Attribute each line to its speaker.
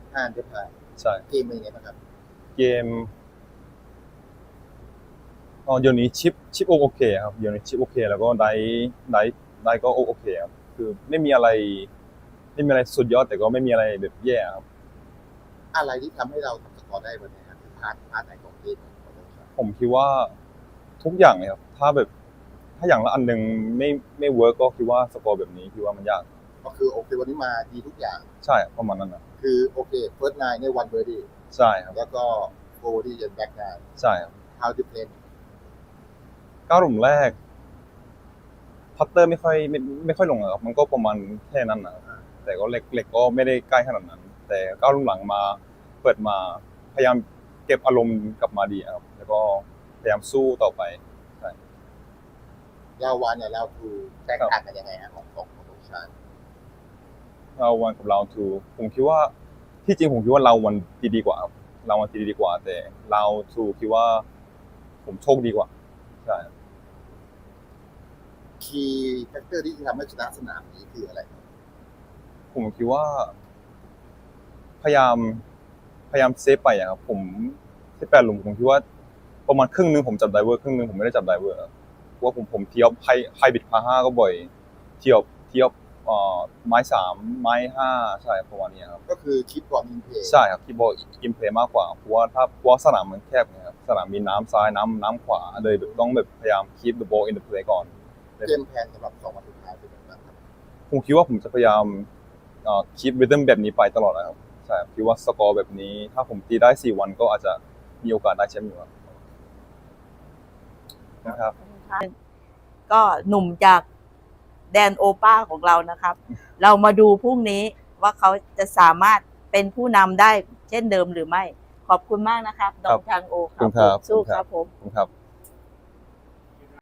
Speaker 1: ผ่านจะผ่าน
Speaker 2: ใช่
Speaker 1: เกมเป็นยังไงบ้างครับ
Speaker 2: เกมเดี๋ยวนี้ชิปโอเคครับเดี๋ยวนี้ชิปโอเคแล้วก็ได้ก็โอเคครับคือไม่มีอะไรสุดยอดแต่ก็ไม่มีอะไรแบบแย่ครับ
Speaker 1: อะไรที่ทำให้เราทำสกอร์ได้วันนี้ครับพาร์ทไหนของเกมของเราครับ
Speaker 2: ผมคิดว่าทุกอย่างเลยครับถ้าอย่างละอันหนึ่งไม่เวิร์กก็คิดว่าสกอร์แบบนี้คิดว่ามันยาก
Speaker 1: ก็คือโอเควันนี้มาดีทุกอย่าง
Speaker 2: ใช่ประมาณนั้นนะ
Speaker 1: คือโอเคเฟิร์สไนเนี่ยวันเบอร์ดี้
Speaker 2: ใช่ครับ
Speaker 1: แล้วก็โฟร์ดี้ยันแบ็กไน
Speaker 2: ใช่ครับ
Speaker 1: how to play
Speaker 2: ก้าวหลุมแรกพัตเตอร์ไม่ค่อยลงอะครับมันก็ประมาณแค่นั้นนะครับแต่ก็เล็กก็ไม่ได้ใกล้ขนาดนั้น แต่ก้าวหลุมหลังมาเปิดมาพยายามเก็บอารมณ์กลับมาดีครับแล้วก็พยายามสู้ต่อไปใช่
Speaker 1: เราวันเนี่ยเราทูแตกต่างกันยังไงฮะของชาญ
Speaker 2: เราวันกับเราทูผมคิดว่าที่จริงผมคิดว่าเราวันดีกว่าครับเราวันดีกว่าแต่เราทูคิดว่าผมโชคดีกว่าใช่
Speaker 1: คีย์แฟกเตอร์ที่ทำให้ชนะสนามนี้คืออะไร
Speaker 2: ผมคิดว่าพยายามพยายามเซฟไปอะครับผมที่แปดหลุมผมคิดว่าประมาณครึ่งนึงผมจับไดเวอร์ครึ่งนึงผมไม่ได้จับไดเวอร์ครับเพราะว่าผมเทียบไฮบิดพาห้าก็บ่อยเทียบไม้สามไม้ห้าใช่ประมาณนี้ครับ
Speaker 1: ก็คือคิดบอลอินเพย์
Speaker 2: ใช่ครับคีย์บอร์ดอิมเพลย์มากกว่าเพราะว่าสนามมันแคบนะครับสนามมีน้ำซ้ายน้ำขวาเลยแบบต้องแบบพยายาม keep the ball in the play ก่อน
Speaker 1: เกมแพลนสำหรับ2 วันสุดท้ายเป็นยังไงบ้างครับ
Speaker 2: ผมคิดว่าผมจะพยายามkeep rhythm แบบนี้ไปตลอดนะครับใช่คิดว่าสกอร์แบบนี้ถ้าผมตีได้4 วันก็อาจจะมีโอกาสได้แชมป์อยู่ครับนะครับ
Speaker 3: ก็หนุ่มจากแดนโอป้าของเรานะครับ เรามาดูพรุ่งนี้ว่าเขาจะสามารถเป็นผู้นำได้เช่นเดิมหรือไม่ ขอบคุณมากนะครับน้องทางโอครับสู้ครับผม
Speaker 2: ครับ